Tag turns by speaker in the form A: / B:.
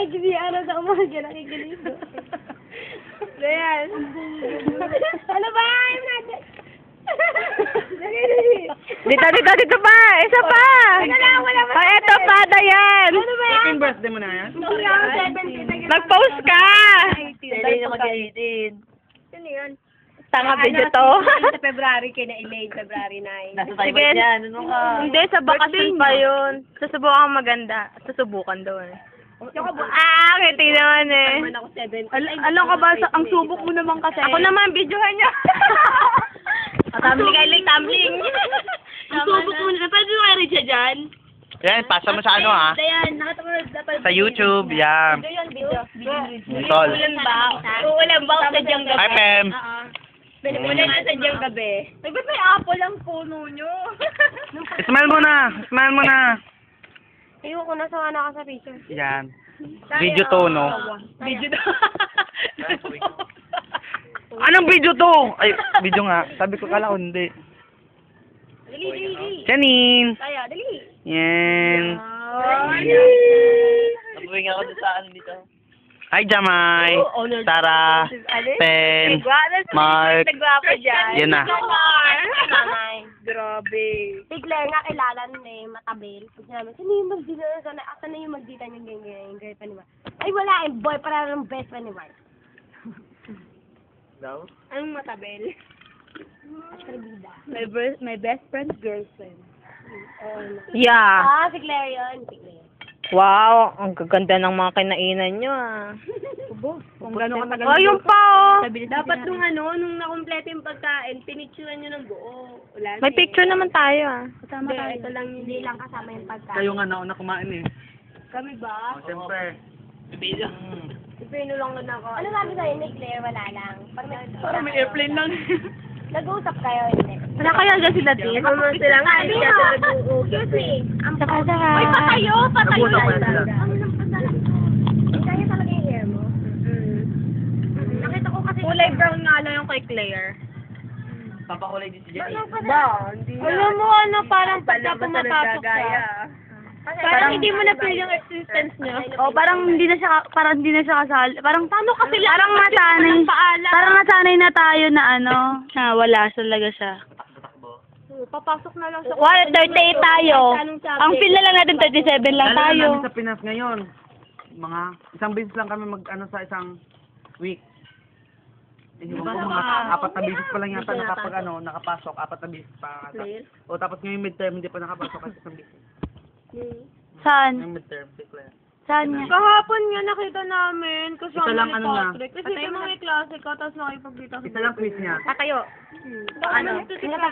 A: nakikinig sa umaga, nakikinig. Ayan. Ano ba? Ayun natin.
B: Dito pa! Isa pa!
A: Wala ba?
B: Eto pa, Dayan!
A: Ano ba yan?
C: 18 birthday mo na yan?
B: Mag-post ka!
A: Hindi na mag-edit. Sino yun?
B: Tanga video to.
A: Sa February kina Elaine, February 9.
C: Nasa tayo ba yan? Ano ka?
B: Hindi, sa bakasyon pa yun. Susubukan maganda. Susubukan daw eh. Ngiti naman eh.
A: Naman ako 7.
B: Alam ka ba, ang subok mo naman kasi. Ako naman, videohan niya.
A: Tumbling kay Elaine, tumbling.
B: Ang subok mo na. Pwede mo kay Richard dyan?
C: Yan, pasa mo sa ano ha?
A: Dayan, nakatulad dapat.
C: Sa YouTube, yan.
A: Video.
C: Sol.
A: Uulan ba? Uulan ba sa diyang gabi?
C: Hi, Pem.
A: Uulan na sa diyang gabi. Ay, ba't may apple ang puno nyo?
C: Smile mo na. Smile mo na.
A: Ayun ko, nasawa na ka sa picture.
C: Yan. Video to, no?
A: Video to.
C: Anong video to? Ay, video nga. Sabi ko, kala ko hindi.
A: Dali.
C: Janine.
A: Kaya, dali.
C: Yan.
A: Nabuwing ako sa ano dito.
C: Hi, Jamay. Tara. Pen. Mark.
A: Nagwapo dyan.
C: Yan na.
A: Nanay. Grabe. Si Claire nga kilala nun eh, matabil. Pag sinabi, sino yung magdita na sana? Asa na yung magdita niyang ganyan, yung girlfriend ni Mark? Ay, wala eh, boy, para ng best friend ni Mark.
C: Daw?
A: Anong matabil? Atribida.
B: My best friend's girlfriend.
A: Oh,
B: Yeah.
A: si Claire yun. Si Claire.
B: Wow, ang gaganda ng mga kinainan nyo ah.
A: Kung gano'ng katagal.
B: Oh, yung pa oh.
A: Dapat nung nakumpleto yung pagkain, pinicturean nyo ng buo. Wala
B: May picture naman tayo ah.
A: Kasama tayo. Ito lang, hindi lang kasama yung pagkain.
C: Kayo nga nauna kumain eh.
A: Kami ba?
C: O, siyempre.
A: Si Pino lang nun ako. Ano sabi sa'yo ni Claire? Wala lang. Parang may
C: airplane lang.
A: Nag-uusap kayo, hindi.
B: Wala kaya dyan sila din?
A: Ano sila nga, hindi sila nag-uusap. Excuse me. Ang
B: Saka.
A: Uy, patayo!
C: Nag-uusap kayo sila.
A: Kaya talaga yung hair mo? Nakita ko kasi...
B: Kulay brown nga lang yung kay Claire.
C: Papakulay din si Jenny.
A: Hindi
B: Alam mo ano, parang pagka pumapasok ka. Parang hindi mo na feel yung existence niya. Oh, parang hindi na siya kasali. Parang paano kasi parang nasanay na tayo na ano, na wala talaga siya.
A: Papasok na lang sa...
B: 38 tayo. Ang feel na lang natin 37 lang
C: Lalo
B: tayo.
C: namin sa Pinas ngayon. Mga isang beses lang kami mag-ano sa isang week. Mga 4 na beses pa lang yata nakapasok. 4 na beses pa ata. O tapos ngayong midterm hindi pa nakapasok kasi isang beses.
B: Saan?
C: Ngayong midterm, si Claire.
B: Saan niya?
A: Kahapon nga nakita namin kasama
C: Isa lang
A: ni
C: ano niya.
A: Patrick. Kasi ito mga klase ka, tapos nakipagkita.
C: Isa lang quiz niya.
A: Tatayo. Ano?